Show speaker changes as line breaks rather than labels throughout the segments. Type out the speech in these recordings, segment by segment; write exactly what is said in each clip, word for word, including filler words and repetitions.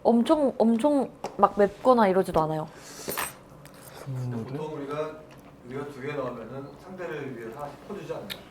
엄청 엄청 막 맵거나 이러지도 않아요.
보통 우리가 우리가 두 개 넣으면은 상대를 위해서 하나씩 퍼주지 않나요?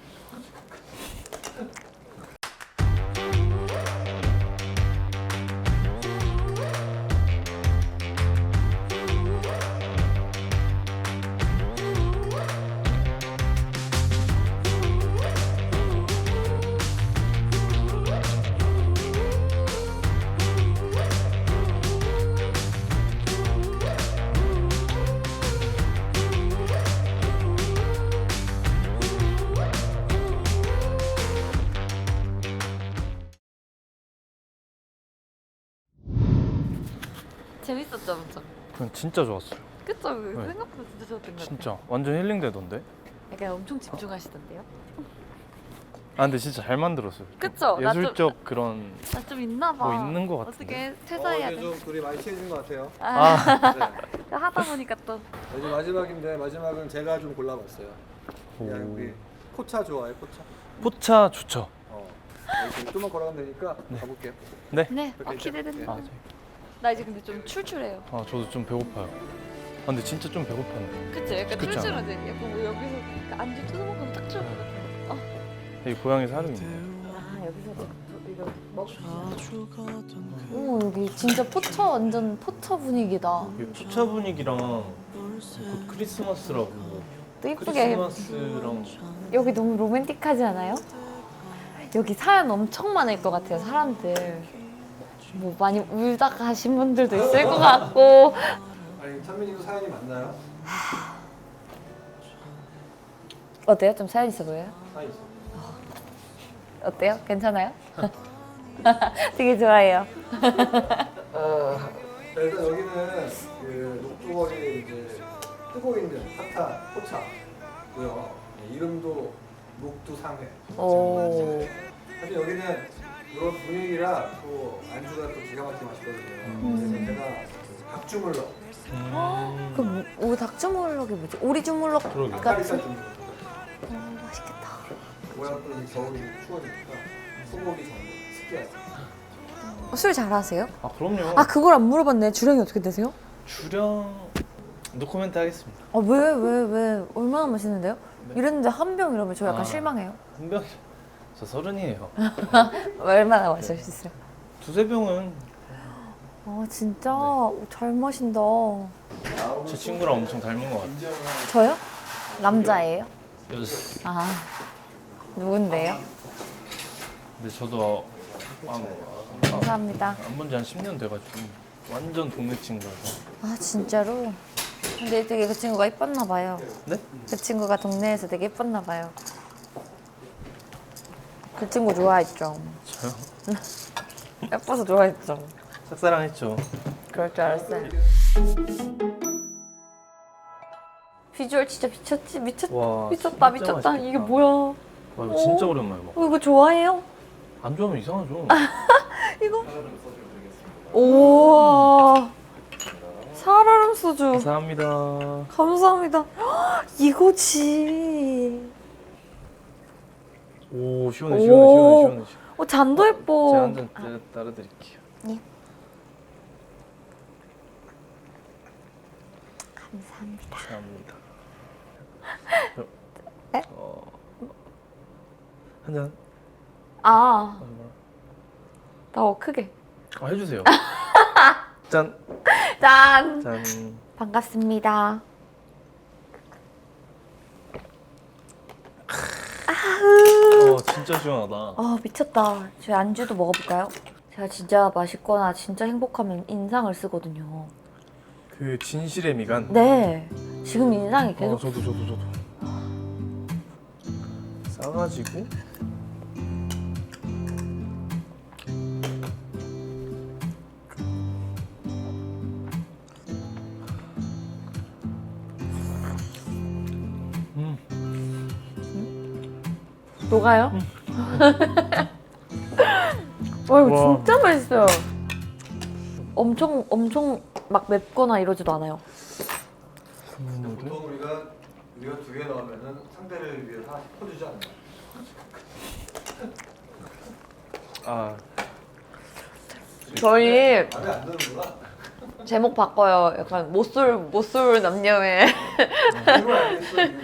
재밌었죠, 엄청.
그건 진짜 좋았어요.
그쵸?
네.
생각보다 진짜 좋았던 것 같아요.
진짜 완전 힐링되던데.
약간 엄청 집중하시던데요?
아 근데 진짜 잘 만들었어요.
그쵸? 나 좀-
예술적 그런
나 좀 있나 봐.
뭐 있는 것 같은데.
어떻게 퇴사해야
어,
돼?
이제 좀 둘이 많이 친해진 것 같아요.
아,
네.
하다 보니까 또.
이제 마지막인데 마지막은 제가 좀 골라봤어요. 그냥
오.
우리 포차 좋아해 포차.
포차 좋죠.
어. 여기 좀만 걸어가면 되니까 가볼게요.
네.
네, 아,
이렇게
기대된다.
아, 저-
나 이제 근데 좀 출출해요.
아 저도 좀 배고파요. 아, 근데 진짜 좀 배고팠네.
그치? 약간
그쵸?
출출하지? 약간 뭐 여기서 그 안주 뜯어먹으면 딱 좋을 것 같아. 어.
여기 고향에 사는 있네.
아, 여기서 이거 먹. 오, 여기 진짜 포차 완전 포차 분위기다.
여기 포차 분위기랑 곧 크리스마스라고.
또 이쁘게.
크리스마스랑
여기 너무 로맨틱하지 않아요? 여기 사연 엄청 많을 것 같아요, 사람들. 뭐 많이 울다 가신 분들도 있을 것 같고.
아니 찬민이도 사연이 많나요?
어때요? 좀 사연 있어 보여요?
사연 있어.
어때요? 괜찮아요? 되게 좋아해요.
일단 여기는 그 녹두거리 이제 뜨고 있는 핫한 포차고요. 네, 이름도 녹두상회.
오.
사실 여기는 이런 분위기라 또 안주가 또 기가 막히게 맛있거든요. 그래서 제가 그 닭주물럭,
음.
그 뭐, 오, 닭주물럭이 뭐지? 오리주물럭
그러게.
닭다리살
같은?
주물럭.
어, 맛있겠다.
뭐야 또 이 겨울이 추워지니까 소고기 전골, 스키야지.
어, 술 잘하세요?
아 그럼요.
아, 그걸 안 물어봤네. 주량이 어떻게 되세요?
주량 노코멘트 하겠습니다.
아, 왜, 왜, 왜? 얼마나 맛있는데요?
네.
이랬는데 한 병 이러면 저 약간
아.
실망해요.
한 병. 저 서른이에요.
얼마나 마실 수 있어요?
두세 병은
아, 진짜
네.
잘 마신다.
제 친구랑 엄청 닮은 것 같아요.
저요? 남자예요?
여자.
아, 누군데요?
근데 저도 안,
감사합니다.
안 본 지 한 십 년 돼가지고 완전 동네 친구라서.
아, 진짜로? 근데 되게 그 친구가 이뻤나 봐요.
네?
그 친구가 동네에서 되게 이뻤나 봐요. 그 친구 좋아했죠.
저요?
예뻐서 좋아했죠.
짝사랑했죠.
그럴 줄 알았어요. 비주얼 진짜 미쳤지? 미쳤,
와,
미쳤다,
진짜
미쳤다.
맛있겠다.
이게 뭐야? 어,
와 이거 진짜 오랜만에 먹어.
이거 좋아해요?
안 좋아하면 이상하죠.
이거? 우와. 살얼음 소주.
감사합니다.
감사합니다. 헉, 이거지.
오 시원해
오.
시원해 시원해 시원해.
어, 잔도 예뻐.
제가 한 잔 따라드릴게요.
예. 감사합니다.
감사합니다.
네?
어, 한 잔.
아,
아, 뭐라.
더 크게.
아 해주세요. 짠.
짠.
짠.
반갑습니다.
어 진짜 시원하다.
아, 미쳤다. 저희 안주도 먹어볼까요? 제가 진짜 맛있거나 진짜 행복하면 인상을 쓰거든요.
그 진실의 미간.
네. 지금 인상이
어
계속.
저도 저도 저도. 싸가지고. 음.
녹아요? 와, 이거
와.
진짜 맛있어요. 엄청 엄청 막 맵거나 이러지도 않아요.
보통 우리가 우리가 두 개 넣으면은 상대를 위해서 하나씩 퍼주지 않나요?
아
저희
마음에 안 드는구나.
제목 바꿔요. 약간 못쏠 못쏠 남녀의
이걸 알겠어. 이거.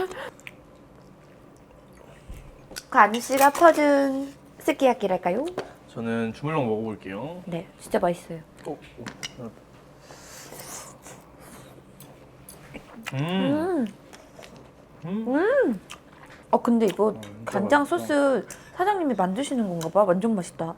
관우 씨가 퍼준 스키야키랄까요?
저는 주물럭 먹어볼게요.
네, 진짜 맛있어요.
오, 오. 음.
음.
음.
어 근데 이거
진짜
간장
맛있다.
소스 사장님이 만드시는 건가 봐. 완전 맛있다.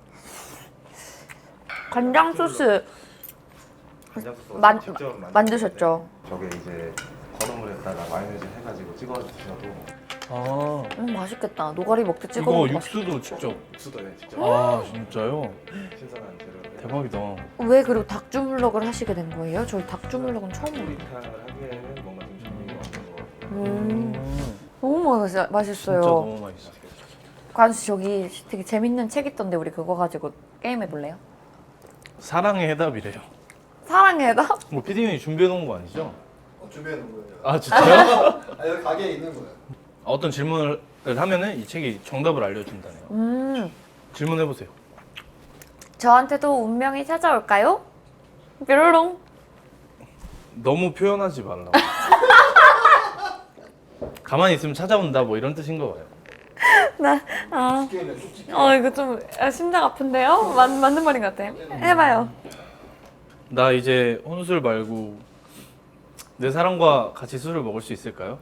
간장 소스
간장 소스
만-
직접 만드셨는데
만드셨죠?
저게 이제 건어물에다가 마요네즈 해가지고 찍어 드셔도
아,
음 맛있겠다. 노가리 먹듯 찍어
이거
먹으면 맛있어.
육수도 직접.
육수도 네, 직접
아, 진짜요?
신선한 재료를
대박이다.
왜 그리고 닭 주물럭을 하시게 된 거예요? 저희 닭 주물럭은 처음 먹어요.
요리탕을 하기에는 뭔가 좀 준비가 없는 것 같아요.
음,
음.
너무 맛있,
진짜
맛있어요.
너무 맛있어.
관수 씨 저기 되게 재밌는 책 있던데 우리 그거 가지고 게임 해볼래요?
사랑의 해답이래요.
사랑의 해답?
뭐 피디님이 준비해 놓은 거 아니죠?
어, 준비해 놓은 거예요.
아, 진짜요?
아, 여기 가게에 있는 거예요.
어떤 질문을 하면은 이 책이 정답을 알려준다네요.
음,
질문해 보세요.
저한테도 운명이 찾아올까요? 뾰로롱.
너무 표현하지 말라고. 가만히 있으면 찾아온다 뭐 이런 뜻인 거 봐요.
나, 아,
게임에 쏙 찍혀.
어 이거 좀 아, 심장 아픈데요? 맞, 맞는 말인 것 같아. 해봐요.
나 이제 혼술 말고 내 사람과 같이 술을 먹을 수 있을까요?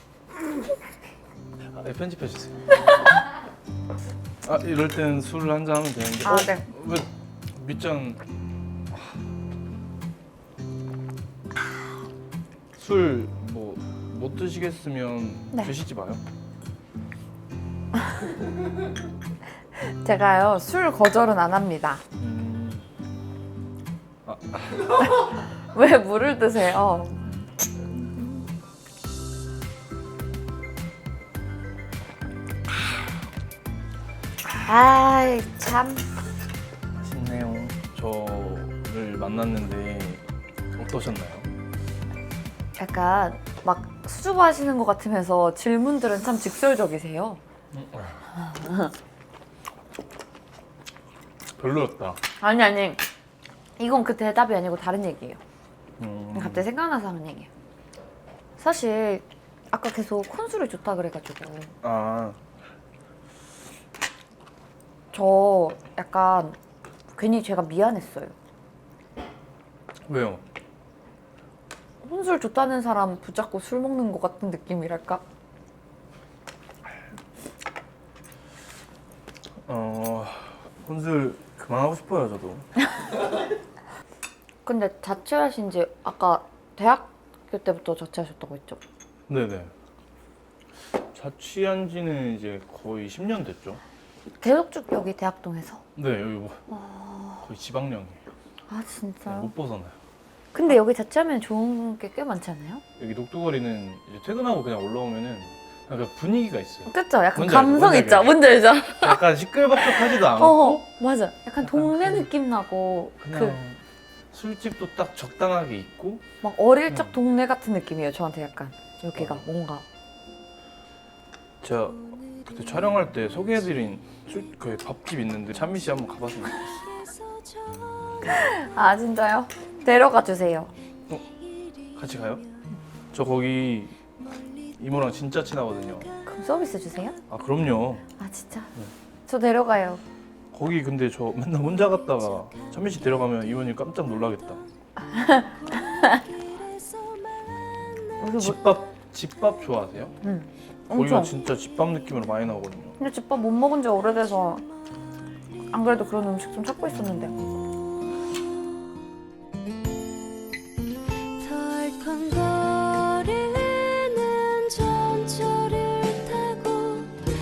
아, 네, 편집해 주세요. 아, 이럴 땐 술을 한잔 하면 되는데.
아,
어?
네.
왜 밑잔 술 뭐 못 드시겠으면
네.
드시지 마요.
제가요 술 거절은 안 합니다.
음. 아,
왜 물을 드세요? 아이 참.
맛있네요. 저를 만났는데 어떠셨나요?
약간 막 수줍어하시는 것 같으면서 질문들은 참 직설적이세요.
별로였다.
아니 아니 이건 그 대답이 아니고 다른 얘기예요.
음.
갑자기 생각나서 하는 얘기예요. 사실 아까 계속 콘술이 좋다 그래가지고
아,
저 약간 괜히 제가 미안했어요.
왜요?
혼술 좋다는 사람 붙잡고 술 먹는 것 같은 느낌이랄까?
어, 혼술 그만하고 싶어요, 저도.
근데 자취하신 지 아까 대학교 때부터 자취하셨다고 했죠?
네네. 자취한 지는 이제 거의 십 년 됐죠.
계속 쭉 여기 대학동에서?
네, 여기 뭐 거의 지방령이에요.
아 진짜요?
못 벗어나요.
근데 여기 자취하면 좋은 게 꽤 많지 않아요?
여기 녹두거리는 이제 퇴근하고 그냥 올라오면은 약간 분위기가 있어요.
그쵸? 약간
뭔지
감성
알죠?
있죠?
뭔지
뭔지 알죠?
약간 시끌벅적하지도 않고
어 맞아. 약간
약간
동네
그-
느낌 나고
그냥
그
술집도 딱 적당하게 있고
막 어릴 적
음.
동네 같은 느낌이에요. 저한테 약간 여기가
어.
뭔가
제가 그때 촬영할 때 소개해드린 술, 그 밥집 있는데 찬미 씨 한번 가봤으면 좋겠어요.
아 진짜요? 데려가 주세요.
같이 가요? 저 거기 이모랑 진짜 친하거든요.
그럼 서비스 주세요?
아 그럼요.
아 진짜?
네.
저 데려가요.
거기 근데 저 맨날 혼자 갔다가 찬미 씨 데려가면 이모님 깜짝 놀라겠다.
우리 뭐,
집밥 집밥 좋아하세요?
응.
거기가
엄청.
진짜 집밥 느낌으로 많이 나오거든요.
근데 집밥 못 먹은 지 오래돼서 안 그래도 그런 음식 좀 찾고 있었는데.
덜컹거리는 전철을 타고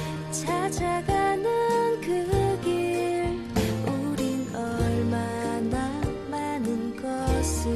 찾아가는 그 길 우린 얼마나 많은 것을